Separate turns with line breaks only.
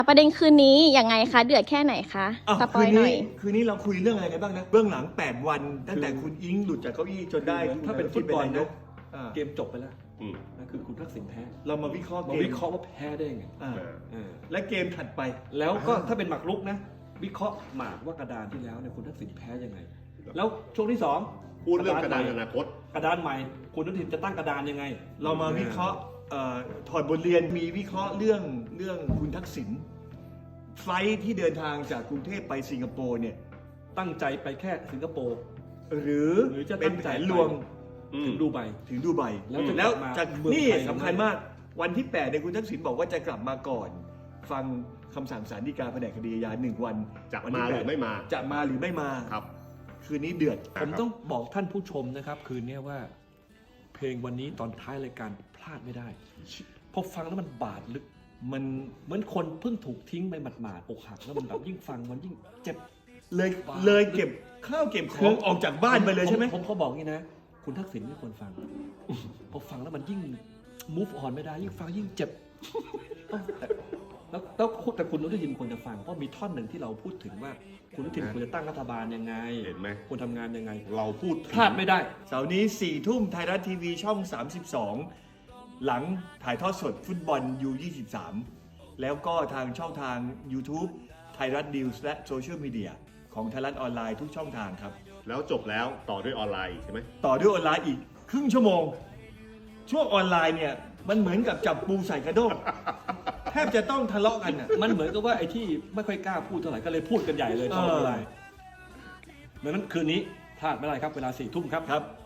ประเด็นคืนนี้ยังไงคะเดือดแค่ไหนคะสปอยหน่อย
คืนนี้เราคุยเรื่องอะไรกันบ้างนะเบื้องหลัง8 วันตั้งแต่คุณอิงหลุดจากเก้าอี้จนได้
ถ้าเป็นฟุตบอล
นะ
นะเกมจบไปแล้วนั่นคือคุณทักษิณแพ้
เรามาวิเคราะห์
มา
เกม
วิเคราะห์ว่าแพ้ได้ไง
และเกมถัดไป
แล้วก็ถ้าเป็นหมากรุกนะ วิเคราะห์หมากว่ากระดานที่แล้วเนี่ยคุณทักษิณแพ้ยังไง แล้วช่วงที่สอง
พูดเรื่องกระดานอนาคต
กระดานใหม่คุณทักษิณจะตั้งกระดานยังไง
เรามาวิเคราะห์ถอดบทเรียนมีวิเคราะห์เรื่องคุณทักษิณไฟล์ที่เดินทางจากกรุงเทพไปสิงคโปร์เนี่ย
ตั้งใจไปแค่สิงคโปร์
หรือ
จะ
เป็
ตั้
น
ง
แผ
ใจ
นลวง
ถึงดูไบ
ถึงดูไบ
แล้วจะ
แล้ว
กลับมา
จาก
เมือง
นี่
ไทย
สำคัญมากวันที่8เนี่ยคุณทักษิณบอกว่าจะกลับมาก่อน ฟังคำสั่งศาลฎีกาแผนกคดีอาญา1 วัน
จะ
วัน
มา
ที่
หรือไม่มา
จะมาหรือไม่มา
ครับ
คืนนี้เดือด
ผมต้องบอกท่านผู้ชมนะครับ คืนนี้ว่า เพลงวันนี้ตอนท้ายรายการพลาดไม่ได้พอฟังแล้วมันบาดลึก
มัน
เหมือนคนเพิ่งถูกทิ้งไปหมาดๆอกหักแล้วมันแบบยิ่งฟังมันยิ่งเจ็บ
เลยเก็บข้าวเก็บของออกจากบ้านไปเลยใช่ไหม
ผมเขาบอกงี้นะ คุณทักษิณไม่ควรฟังพอฟังแล้วมันยิ่ง move on ไม่ได้ยิ่งฟังยิ่งเจ็บแต่คุณอนุทินควรจะฟังเพราะมีท่อนหนึ่งที่เราพูดถึงว่าคุณอนุทินควรจะตั้งรัฐบาลยังไง
เห็นไหม
ควรทำงานยังไง
เราพูดถึง
พลาดไม่ได้
เสาร์นี้4 ทุ่มไทยรัฐทีวีช่อง 32 หลังถ่ายทอดสดฟุตบอล U23 แล้วก็ทางช่องทาง YouTube ไทยรัฐนิวส์และโซเชียลมีเดียของไทยรัฐออนไลน์ทุกช่องทางครับ
แล้วจบแล้วต่อด้วยออนไลน์ใช่ไหม
ต่อด้วยออนไลน์อีกครึ่งชั่วโมง ช่วงออนไลน์เนี่ย มันเหมือนกับจับปูใส่กระด้งแทบจะต้องทะเลาะกันอ่ะ
มันเหมือนกับว่าไอ้ที่ไม่ค่อยกล้าพูดเท่าไหร่ก็เลยพูดกันใหญ่เลยตอนออนไลน์ดังนั้นคืนนี้พลาดไม่ได้ครับเวลา4 ทุ่มครับ